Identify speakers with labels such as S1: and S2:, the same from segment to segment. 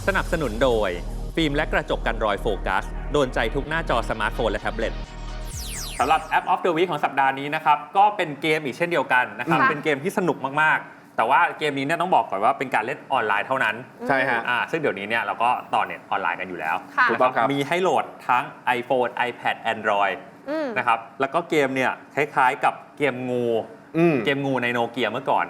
S1: สนับสนุนโดยฟิล์มและกระจกกันรอยโฟกัสโดนใจทุกหน้าจอสมาร์ทโฟนและแท็บเล็ตสำหรับ App of the Week ของสัปดาห์นี้นะครับก็เป็นเกมอีกเช่นเดียวกันนะครับเป็นเกมที่สนุกมากๆแต่ว่าเกมนี้เนี่ยต้องบอกก่อนว่าเป็นการเล่นออนไลน์เท่านั้น
S2: ใช่ฮะ
S1: ซึ่งเดี๋ยวนี้เนี่ยเราก็ต่อเน็ตออนไลน์กันอยู่แล้ว
S2: ถูกต้องครับ
S1: มีให้โหลดทั้ง iPhone iPad Android นะครับแล้วก็เกมเนี่ยคล้ายๆกับเกมงูในโนเกียเมื่อก่อน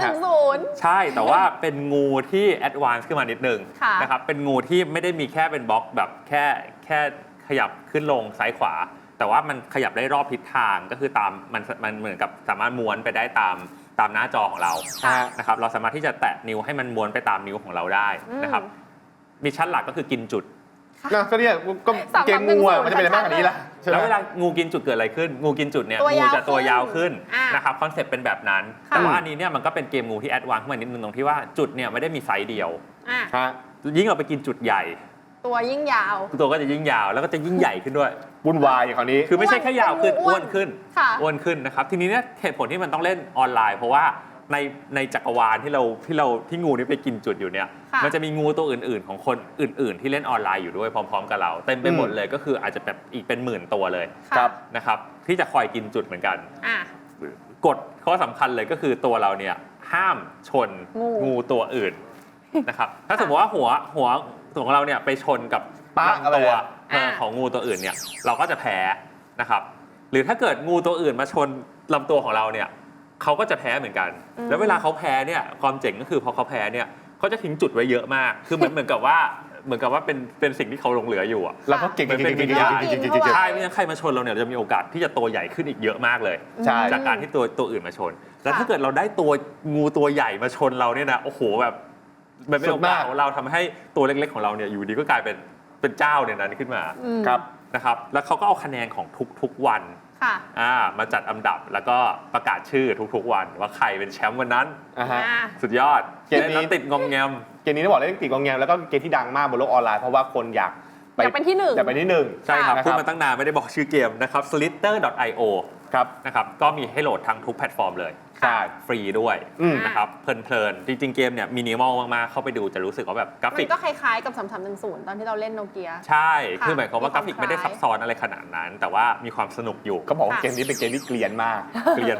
S3: 3310
S1: ใช่แต่ว่าเป็นงูที่แอดวานซ์ขึ้นมานิดนึงนะครับเป็นงูที่ไม่ได้มีแค่เป็นบล็อกแบบแค่ขยับขึ้นลงซ้ายขวาแต่ว่ามันขยับได้รอบทิศทางก็คือตามมันเหมือนกับสามารถม้วนไปได้ตามหน้าจอของเรานะครับเราสามารถที่จะแตะนิ้วให้มันม้วนไปตามนิ้วของเราได้นะครับมิชชั่นหลักก็คือกินจุด
S2: ก็เนี่ยก็เกมงูมันจะเป็นอะไรมากกว่านี้ล่ะ
S1: แล้วเวลางูกินจุดเกิดอะไรขึ้นงูกินจุดเนี่ยงูจะตัวยาวขึ้นนะครับคอนเซ็ปต์เป็นแบบนั้นแต่ว่าอันนี้เนี่ยมันก็เป็นเกมงูที่แอดวานซ์ขึ้นมานิดนึงตรงที่ว่าจุดเนี่ยไม่ได้มีไซส์เดียวยิ่งเราไปกินจุดใหญ่
S3: ตัวยิ่งยาว
S1: ตัวก็จะยิ่งยาวแล้วก็จะยิ่งใหญ่ขึ้นด้วย
S2: วุ่นวายอย่างคราวนี้
S1: คือไม่ใช่แค่ยาวขึ้นอ้วนขึ้นนะครับทีนี้เนี่ยเหตุผลที่มันต้องเล่นออนไลน์เพราะว่าในจักรวาลที่งูนี้ไปกินจุดอยู่เนี่ยมันจะมีงูตัวอื่นๆของคนอื่นๆที่เล่นออนไลน์อยู่ด้วยพร้อมๆกับเราเต็มไปหมดเลยก็คืออาจจะแบบอีกเป็นหมื่นตัวเลยนะครับที่จะคอยกินจุดเหมือนกันกฎข้อสำคัญเลยก็คือตัวเราเนี่ยห้ามชนงูตัวอื่นนะครับถ้าสมมติว่าหัวของเราเนี่ยไปชนกับลำตัวของงูตัวอื่นเนี่ยเราก็จะแพ้นะครับหรือถ้าเกิดงูตัวอื่นมาชนลำตัวของเราเนี่ยเขาก็จะแพ้เหมือนกันแล้วเวลาเขาแพ้เนี่ยความเจ๋งก็คือพอเขาแพ้เนี่ยเขาจะทิ้งจุดไว้เยอะมากคือเหมือนกับว่าเป็นสิ่งที่เขาหลงเหลืออยู่
S2: แล้วก็เก่ง
S1: เป็นวิญญาณใช่ไม่งั้นใครมาชนเราเนี่ยจะมีโอกาสที่จะตัวใหญ่ขึ้นอีกเยอะมากเลยจากการที่ตัวอื่นมาชนแล้วถ้าเกิดเราได้ตัวงูตัวใหญ่มาชนเราเนี่ยนะโอ้โหแบบมันเป็นโอกาสของเราทำให้ตัวเล็กๆของเราเนี่ยอยู่ดีก็กลายเป็นเจ้าในนั้นขึ้นมานะครับแล้วเขาก็เอาคะแนนของทุกวันมาจัดอันดับแล้วก็ประกาศชื่อทุกๆวันว่าใครเป็นแชมป์วันนั้นสุดยอดเกมนี้ติดงอมแงม
S2: เกมนี้ต้องบอกเล่นติดงอมแงมแล้วก็เกมที่ดังมากบนโลกออนไลน์เพราะว่าคนอยาก
S3: เป็นที่หนึ่ง
S1: ใช่ครับพูดมาตั้งนานไม่ได้บอกชื่อเกมนะครับ Slither.io นะครับก็มีให้โหลดทั้งทุกแพลตฟอร์มเลยฟรีด้วยนะครับเพลินๆจริงๆเกมเนี่ยมินิมอลมากๆเข้าไปดูจะรู้สึกว่าแบบกราฟิก
S3: มันก็คล้ายๆกับ3310ตอนที่เราเล่นโนเกีย
S1: ใช่คือหมายความว่ากราฟิกไม่ได้ซับซ้อนอะไรขนาดนั้นแต่ว่ามีความสนุกอยู่
S2: ก็บอกว่าเกมนี้เป็นเกมที่เกลียนมาก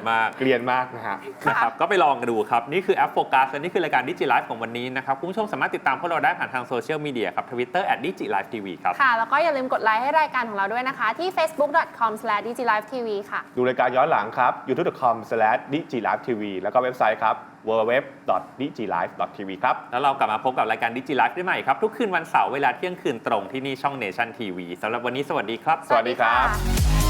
S1: นะครับก็ไปลองกันดูครับนี่คือแอปโฟกัสและนี่คือรายการ DigiLife ของวันนี้นะครับคุณผู้ชมสามารถติดตามพวกเราได้ผ่านทางโซเชียลมีเดียครับ Twitter @DigiLifeTV ครับ
S3: ค่ะแล้วก็อย่าลืมกดไลค์ให้รายการของเราด้วยนะคะที่ facebook.com/digilifetv ค่ะ
S2: ดูรายการย้อนหลังครับ youtube.com/digilifetv แล้วก็เว็บไซต์ครับ www.digilife.tv ครับ
S1: แล้วเรากลับมาพบกับรายการ DigiLife ได้ใหม่ครับทุกคืนวันเสาร์เวลาเที่ยงคืนตรงที่นี่ช่อง Nation TV สำหรับวันนี้สวัสดีครับ
S2: สวัสดีครับ